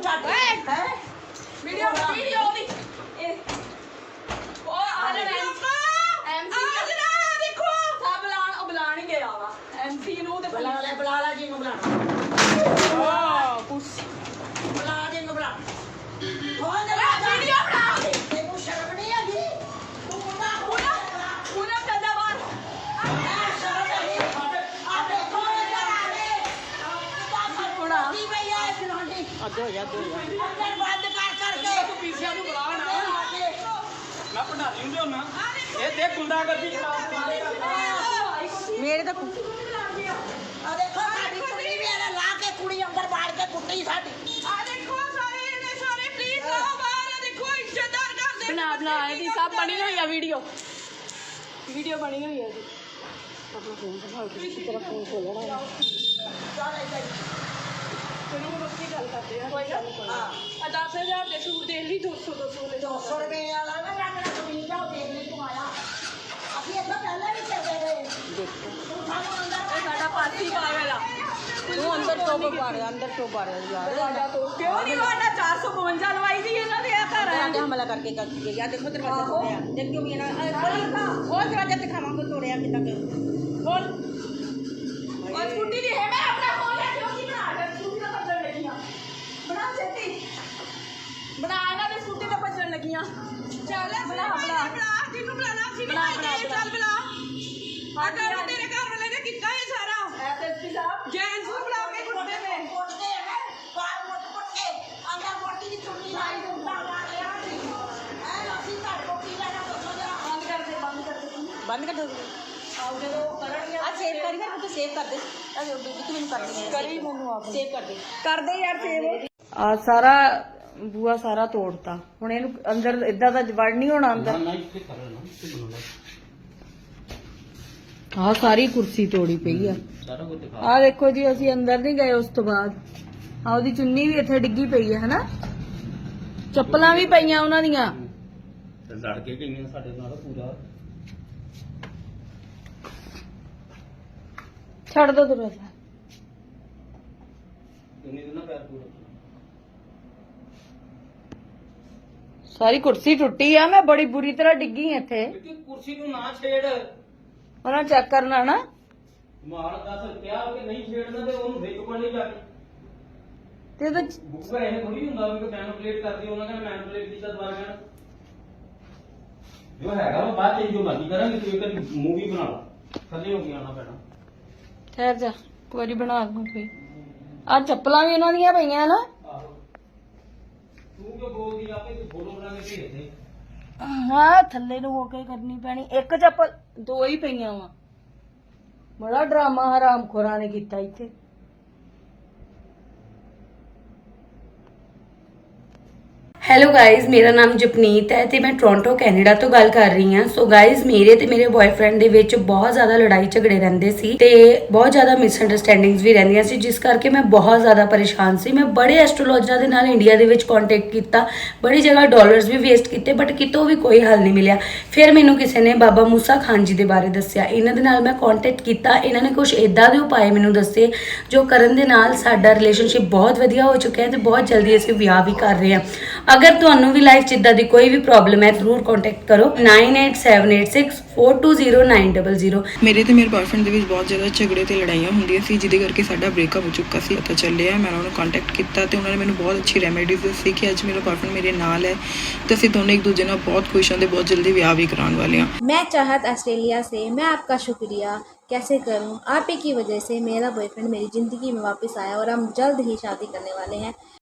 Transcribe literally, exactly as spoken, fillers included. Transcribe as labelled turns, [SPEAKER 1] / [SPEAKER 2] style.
[SPEAKER 1] ਛੱਡ ਹੈ video video ਦੀ ਇਹ ਉਹ ਆ ਰਿਹਾ ਐਮਸੀ ਆ ਜਿਹੜਾ ਦੇਖੋ ਸਭ ਬੁਲਾਣ ਉਹ ਬੁਲਾਣ ਹੀ ਗਿਆ ਵਾ ਐਮਸੀ ਨੂੰ ਤੇ
[SPEAKER 2] ਬੁਲਾ ਲੈ ਬੁਲਾ ਲੈ ਜੀ ਨੂੰ ਬੁਲਾ
[SPEAKER 1] ਵਾਹ ਕੁਛ
[SPEAKER 2] ਬੁਲਾ ਜੀ ਨੂੰ ਬੁਲਾ
[SPEAKER 1] ਹੋਰ ਜਰਾ ਵੀਡੀਓ ਬਣਾ
[SPEAKER 2] ਤੈਨੂੰ ਸ਼ਰਮ ਨਹੀਂ ਆਗੀ ਤੂੰ ਮੁੰਡਾ
[SPEAKER 1] ਪੂਰਾ ਪੂਰਾ ਚੱਲਦਾ ਬਾਹਰ
[SPEAKER 2] ਆ ਸ਼ਰਮ ਨਹੀਂ ਆ ਦੇਖੋ
[SPEAKER 1] ਥੋੜਾ
[SPEAKER 2] ਕੀ ਭਈਆ ਇਹ ਫਿਰਾਂਡੀ
[SPEAKER 3] ਅੱਧ ਹੋ ਜਾ ਅੱਧ ਹੋ ਜਾ
[SPEAKER 2] ਅੰਦਰ ਬੰਦ ਕਰ ਕਰਕੇ
[SPEAKER 3] ਤੂੰ ਪੀਸਿਆਂ ਨੂੰ ਬੁਲਾ ਨਾ ਮੈਂ ਭੰਡਾਰੀ ਹੁੰਦੇ ਹੁੰਨਾ ਇਹ ਦੇਖ ਗੁੰਡਾਗਰਦੀ
[SPEAKER 1] ਮੇਰੇ ਤਾਂ
[SPEAKER 2] ਆ ਦੇਖੋ ਸਾਡੀ ਕੁੜੀ ਵੀ ਇਹਨੇ ਲਾ ਕੇ ਕੁੜੀ ਅੰਦਰ ਬਾੜ ਕੇ ਕੁੱਟੀ ਸਾਡੀ
[SPEAKER 1] ਆ ਦੇਖੋ ਸਾਰੇ ਇਹਨੇ ਸਾਰੇ ਪਲੀਜ਼ ਆਓ ਬਾਹਰ ਆ ਦੇਖੋ ਇੱਜ਼ਤਦਾਰ ਕਰਦੇ ਬਣਾ ਬਣਾ ਇਹਦੀ ਸਭ ਬਣੀ ਹੋਈ ਆ ਵੀਡੀਓ ਵੀਡੀਓ ਬਣੀ ਹੋਈ ਆ ਇਹਦੀ ਆਪਣਾ ਫੋਨ ਦਿਖਾਓ ਕਿਸੇ ਤਰ੍ਹਾਂ ਫੋਨ ਖੋਲਣਾ ਕੋਈ ਰੋਟੀ ਗੱਲ ਕਰਦੇ ਆ ਕੋਈ ਗੱਲ ਨਹੀਂ ਆ ਦਸ ਹਜ਼ਾਰ ਦੇ ਸੂਟ ਦੇ ਲਈ ਦੋ ਸੌ ਦੋ ਸੌ ਲੈ
[SPEAKER 2] ਦੋ ਸੌ ਰੁਪਏ ਵਾਲਾ ਨਾ ਰੰਗਣਾ ਕਮੀਜ਼ ਜਾਓ ਦੇਖ ਲਈ ਤੂੰ ਆਇਆ ਅਸੀਂ ਇੱਥੇ ਪਹਿਲਾਂ ਵੀ ਚੱਲਦੇ ਰਹੇ
[SPEAKER 1] ਦੇਖੋ
[SPEAKER 2] ਤੂੰ ਸਾਨੂੰ ਅੰਦਰ
[SPEAKER 1] ਇਹ ਸਾਡਾ ਪਾਸੀ ਪਾਗਲ ਆ ਤੂੰ ਅੰਦਰ ਤੋਂ ਪਾ ਰਿਹਾ ਅੰਦਰ ਤੋਂ ਪਾ ਰਿਹਾ ਯਾਰ ਸਾਡਾ ਤੋਂ ਕਿਉਂ ਨਹੀਂ ਵਾਣਾ ਚਾਰ ਸੌ ਬਵੰਜਾ ਲਵਾਈ ਦੀ ਇਹਨਾਂ ਦੇ ਆ ਘਰ ਆ
[SPEAKER 2] ਆਂਦੇ ਹਮਲਾ ਕਰਕੇ ਕਰ ਦਿੱਤੇ ਯਾ ਦੇਖੋ ਦਰਵਾਜ਼ਾ ਤੋੜਿਆ ਦੇਖ ਕਿਉਂ ਇਹਨਾਂ ਉਹ ਦਰਵਾਜ਼ਾ ਦਿਖਾਵਾਂਗੇ ਤੋੜਿਆ ਕਿੱਦਾਂ ਕਰ
[SPEAKER 1] ਬੋਲ ਉਹ ਸਕੂਟੀ ਦੀ ਹੈ ਮੈਂ ਆਪਣਾ ਫੋਨ ਲੈ ਕੇ ਕੀ ਬਣਾ ਰਿਹਾ ਸਕੂਟੀ ਦਾ ਭੱਜਣ ਲੱਗੀਆਂ ਬਣਾ ਛੇਤੀ ਬਣਾ ਇਹਨਾਂ ਦੀ ਸਕੂਟੀ ਤੇ ਭੱਜਣ ਲੱਗੀਆਂ ਚੱਲ ਬਣਾ ਬਣਾ ਬਣਾ ਜਿਹਨੂੰ ਬੁਲਾਣਾ ਸੀ ਬਣਾ ਬਣਾ ਚੱਲ ਬੁਲਾ ਆ ਕੰਮ ਤੇਰੇ ਘਰ ਵਾਲੇ ਨੇ ਕੀਤਾ ਇਹ ਸਾਰਾ ਐਸਐਸਪੀ ਸਾਹਿਬ ਜੈਂਸ ਨੂੰ ਬੁਲਾ ਕੇ ਕੁੱਟਦੇ ਨੇ
[SPEAKER 2] ਕੁੱਟਦੇ ਹੈ ਬਾਹਰ ਮੁੱਟ ਕੁੱਟ ਕੇ ਅੰਦਰ ਮੋਟੀ ਦੀ ਚੁੰਨੀ ਲਾਈ ਹੁੰਦਾ ਮਾਰਿਆ ਐ ਅਸੀਂ ਤੁਹਾਡੇ ਕੋਲ ਕੀ ਲੈਣਾ ਦੱਸੋ ਜਰਾ
[SPEAKER 1] ਬੰਦ ਕਰ ਦੇ ਬੰਦ ਕਰ ਦੇ
[SPEAKER 2] ਬੰਦ ਕਰ ਦੋ
[SPEAKER 1] ਆਓ ਜਦੋਂ ਕਰਨਗੇ
[SPEAKER 2] ਆ ਸੇਵ ਕਰੀ ਫਿਰ ਤੂੰ ਸੇਵ ਕਰ ਦੇ ਆ ਜੋ ਵੀ ਮੈਨੂੰ ਕਰਨੀ ਹੈ
[SPEAKER 1] ਕਰੀ ਮੈਨੂੰ ਆਪ
[SPEAKER 2] ਸੇਵ ਕਰ ਦੇ
[SPEAKER 1] ਕਰਦੇ ਯਾਰ ਸੇਵ ਆ ਸਾਰਾ ਬੂਆ ਸਾਰਾ ਤੋੜਤਾ ਹੁਣ ਇਹਨੂੰ ਅੰਦਰ ਇਦਾਂ ਦਾ ਵੜ ਨਹੀਂ ਹੋਣਾ ਅੰਦਰ
[SPEAKER 3] ਨਾ ਇੱਥੇ ਕਰ ਲੈਣਾ ਇੱਥੇ ਬਣਾਉਣਾ
[SPEAKER 1] ਆ ਸਾਰੀ ਕੁਰਸੀ ਤੋੜੀ ਪਈ ਆ
[SPEAKER 3] ਸਾਰਾ ਕੁਝ ਦਿਖਾ
[SPEAKER 1] ਆ ਦੇਖੋ ਜੀ ਅਸੀਂ ਅੰਦਰ ਨਹੀਂ ਗਏ ਉਸ ਤੋਂ ਬਾਅਦ ਆ ਉਹਦੀ ਚੁੰਨੀ ਵੀ ਇੱਥੇ ਡਿੱਗੀ ਪਈ ਹੈ ਹਨਾ ਚੱਪਲਾਂ ਵੀ ਪਈਆਂ ਉਹਨਾਂ ਦੀਆਂ
[SPEAKER 3] ਤੇ ਲੜ ਕੇ ਗਈਆਂ ਸਾਡੇ ਨਾਲ ਪੂਰਾ
[SPEAKER 1] ਛੱਡ ਦੋ ਦਰਵਾਜ਼ਾ
[SPEAKER 3] ਇੰਨੀ ਦਿਨਾਂ ਪੈਰ ਪੂਰਾ
[SPEAKER 1] ਸਾਰੀ ਕੁਰਸੀ ਟੁੱਟੀ ਆ ਮੈਂ ਬੜੀ ਬੁਰੀ ਤਰ੍ਹਾਂ ਡਿੱਗੀ ਇੱਥੇ
[SPEAKER 3] ਕਿ ਕੁਰਸੀ ਨੂੰ ਨਾ ਛੇੜ
[SPEAKER 1] ਉਹਨਾਂ ਚੈੱਕ ਕਰਨਾ ਨਾ
[SPEAKER 3] ਮਾਲ ਦਸ ਰੁਪਿਆ ਕਿ ਨਹੀਂ ਛੇੜਨਾ ਤੇ ਉਹਨੂੰ ਵਿੱਚ ਪੜਨੀ ਜਾ ਕੇ
[SPEAKER 1] ਤੇ ਉਹਦਾ
[SPEAKER 3] ਬੁੱਕਾ ਇਹ ਥੋੜੀ ਹੁੰਦਾ ਵੀ ਮੈਨੂਪਲੇਟ ਕਰਦੀ ਉਹਨਾਂ ਕਹਿੰਦਾ ਮੈਨੂਪਲੇਟ ਕੀਤਾ ਦੁਬਾਰਾ ਕਹਿਣਾ ਜੋ ਹੈਗਾ ਉਹ ਬਾਅਦ ਚ ਜੋ ਮਰਜ਼ੀ ਕਰਾਂਗੇ ਤੂੰ ਇੱਕ ਮੂਵੀ ਬਣਾ ਲਾ ਥੱਲੇ ਹੋ ਗਿਆ ਆਣਾ ਪੈਣਾ
[SPEAKER 1] ਠਹਿਰ ਜਾ ਇੱਕ ਵਾਰੀ ਬਣਾ ਦੂੰ ਕੋਈ ਆ ਚੱਪਲਾਂ ਵੀ ਉਹਨਾਂ ਦੀਆਂ ਪਈਆਂ ਨਾ
[SPEAKER 3] ਆਹੋ ਤੂੰ ਕਿਉਂ ਬੋਲਦੀ ਆਪੇ ਤੂੰ ਫੋਟੋ ਬਣਾ ਕੇ ਭੇਜ ਦੇ
[SPEAKER 1] ਹਾਂ ਥੱਲੇ ਨੂੰ ਹੋ ਕੇ ਕਰਨੀ ਪੈਣੀ ਇੱਕ ਚੱਪਲ ਦੋ ਹੀ ਪਈਆਂ ਵਾ ਬੜਾ ਡਰਾਮਾ ਹਰਾਮ ਖੋਰਾਂ ਨੇ ਕੀਤਾ ਇੱਥੇ
[SPEAKER 4] ਹੈਲੋ ਗਾਇਜ਼ ਮੇਰਾ ਨਾਮ ਜਪਨੀਤ ਹੈ ਤੇ ਮੈਂ ਟੋਰਾਂਟੋ ਕੈਨੇਡਾ ਤੋਂ ਗੱਲ ਕਰ ਰਹੀ ਹਾਂ। ਸੋ ਗਾਇਜ਼ ਮੇਰੇ ਤੇ ਮੇਰੇ ਬॉयਫ੍ਰੈਂਡ ਦੇ ਵਿੱਚ ਬਹੁਤ ਜ਼ਿਆਦਾ ਲੜਾਈ ਝਗੜੇ ਰਹਿੰਦੇ ਸੀ ਤੇ ਬਹੁਤ ਜ਼ਿਆਦਾ ਮਿਸਅੰਡਰਸਟੈਂਡਿੰਗਸ ਵੀ ਰਹਿੰਦੀਆਂ ਸੀ, ਜਿਸ ਕਰਕੇ ਮੈਂ ਬਹੁਤ ਜ਼ਿਆਦਾ ਪਰੇਸ਼ਾਨ ਸੀ। ਮੈਂ ਬੜੇ ਐਸਟ੍ਰੋਲੋਜਰਾਂ ਦੇ ਨਾਲ ਇੰਡੀਆ ਦੇ ਵਿੱਚ ਕੰਟੈਕਟ ਕੀਤਾ, ਬੜੀ ਜਗ੍ਹਾ ਡਾਲਰਸ ਵੀ ਵੇਸਟ ਕੀਤੇ, ਬਟ ਕਿਤੋਂ ਵੀ ਕੋਈ ਹੱਲ ਨਹੀਂ ਮਿਲਿਆ। ਫਿਰ ਮੈਨੂੰ ਕਿਸੇ ਨੇ ਬਾਬਾ ਮੂਸਾ ਖਾਨ ਜੀ ਦੇ ਬਾਰੇ ਦੱਸਿਆ। ਇਹਨਾਂ ਦੇ ਨਾਲ ਮੈਂ ਕੰਟੈਕਟ ਕੀਤਾ, ਇਹਨਾਂ ਨੇ ਕੁਝ ਇਦਾਂ ਦੇ ਉਪਾਅ ਮੈਨੂੰ ਦੱਸੇ ਜੋ ਕਰਨ ਦੇ ਨਾਲ ਸਾਡਾ ਰਿਲੇਸ਼ਨਸ਼ਿਪ ਬਹੁਤ ਵਧੀਆ ਹੋ ਚੁੱਕਿਆ ਹੈ ਤੇ ਬਹੁਤ ਜਲਦੀ ਅਸੀਂ ਵਿਆਹ ਵੀ ਕਰ ਰਹੇ ਹਾਂ। ਅਗਰ ਤੁਹਾਨੂੰ ਵੀ ਲਾਈਫ 'ਚ ਇਦਾਂ ਦੀ ਕੋਈ ਵੀ ਪ੍ਰੋਬਲਮ ਹੈ ਜ਼ਰੂਰ ਕੰਟੈਕਟ ਕਰੋ nine eight seven eight six four two zero nine zero zero.
[SPEAKER 5] ਮੇਰੇ ਤੇ ਮੇਰੇ ਬॉयਫ੍ਰੈਂਡ ਦੇ ਵਿੱਚ ਬਹੁਤ ਜ਼ਿਆਦਾ ਝਗੜੇ ਤੇ ਲੜਾਈਆਂ ਹੁੰਦੀਆਂ ਸੀ, ਜਿਹਦੇ ਕਰਕੇ ਸਾਡਾ ਬ੍ਰੇਕਅਪ ਹੋ ਚੁੱਕਾ ਸੀ। ਪਤਾ ਚੱਲਿਆ, ਮੈਂ ਉਹਨਾਂ ਨੂੰ ਕੰਟੈਕਟ ਕੀਤਾ ਤੇ ਉਹਨਾਂ ਨੇ ਮੈਨੂੰ ਬਹੁਤ ਅੱਛੀ ਰੈਮੇਡੀਜ਼ ਦੱਸੀ ਕਿ ਅੱਜ ਮੇਰਾ ਬॉयਫ੍ਰੈਂਡ ਮੇਰੇ ਨਾਲ ਹੈ ਤੇ ਅਸੀਂ ਦੋਨੇ ਇੱਕ ਦੂਜੇ ਨਾਲ ਬਹੁਤ ਖੁਸ਼ ਹਾਂ ਤੇ ਬਹੁਤ ਜਲਦੀ ਵਿਆਹ ਵੀ ਕਰਾਉਣ ਵਾਲੇ ਹਾਂ।
[SPEAKER 6] मैं चाहत ऑस्ट्रेलिया से, मैं आपका शुक्रिया कैसे करूं, आप ही की वजह से मेरा बॉयफ्रेंड मेरी ज़िंदगी में वापस आया और हम जल्द ही शादी करने वाले हैं।